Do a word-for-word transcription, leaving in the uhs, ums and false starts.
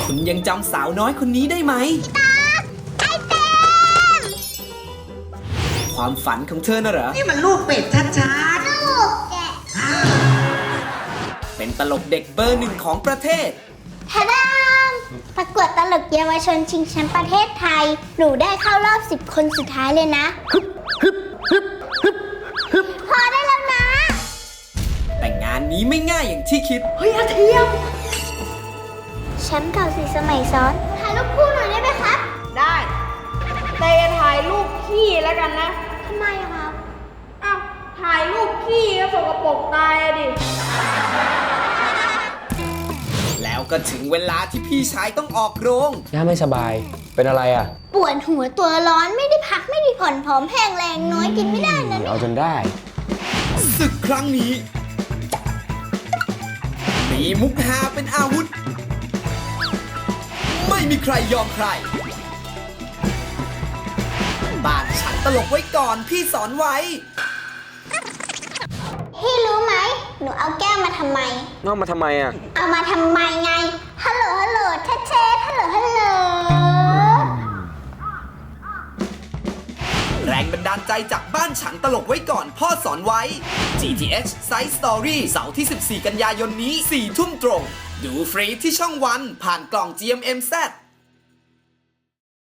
คุณยังจำสาวน้อยคนนี้ได้ไหมไอเต็มความฝันของเธอน่ะเหรอนี่มันลูกเป็ดชัดๆลูกแกะเป็นตลกเด็กเบอร์หนึ่งของประเทศทะดามประกวดตลกเยาวชนชิงแชมป์ประเทศไทย หนูได้เข้ารอบสิบคนสุดท้ายเลยนะพอได้แล้วนะแต่งานนี้ไม่ง่ายอย่างที่คิดเฮ้ยอาเทียมแชมป์เก่าสี่สมัยซ้อนถ่ายรูปคู่หน่อยได้ไหมครับได้แต่อย่าถ่ายรูปขี้แล้วกันนะทำไมอะครับอ้าว ถ่ายรูปขี้ก็สกปรกตายอะดิแล้วก็ถึงเวลาที่พี่ชายต้องออกโรงย่าไม่สบาย เป็นอะไรอ่ะปวดหัวตัวร้อนไม่ได้พักไม่ได้ผ่อนผอมแห้งแรงน้อยกินไม่ได้นะเอาจนได้ศึกครั้งนี้มีมุกฮาเป็นอาวุธ ไม่มีใครยอมใคร บ้านฉันตลกไว้ก่อนพี่สอนไว้พี่รู้ไหม หนูเอาแก้วมาทำไมนอกมาทำไมอ่ะเอามาทำไมไง ฮัลโหล ฮัลโหลเช็ดเช็ดฮัลโหล ฮัลโหลแรงบันดาลใจจากบ้านฉันตลกไว้ก่อนพ่อสอนไว้ จี ที เอช Side Story เสาร์ที่ สิบสี่ กันยายนนี้ สี่ ทุ่มตรง ดูฟรีที่ช่องวันผ่านกล่อง จี เอ็ม เอ็ม แซด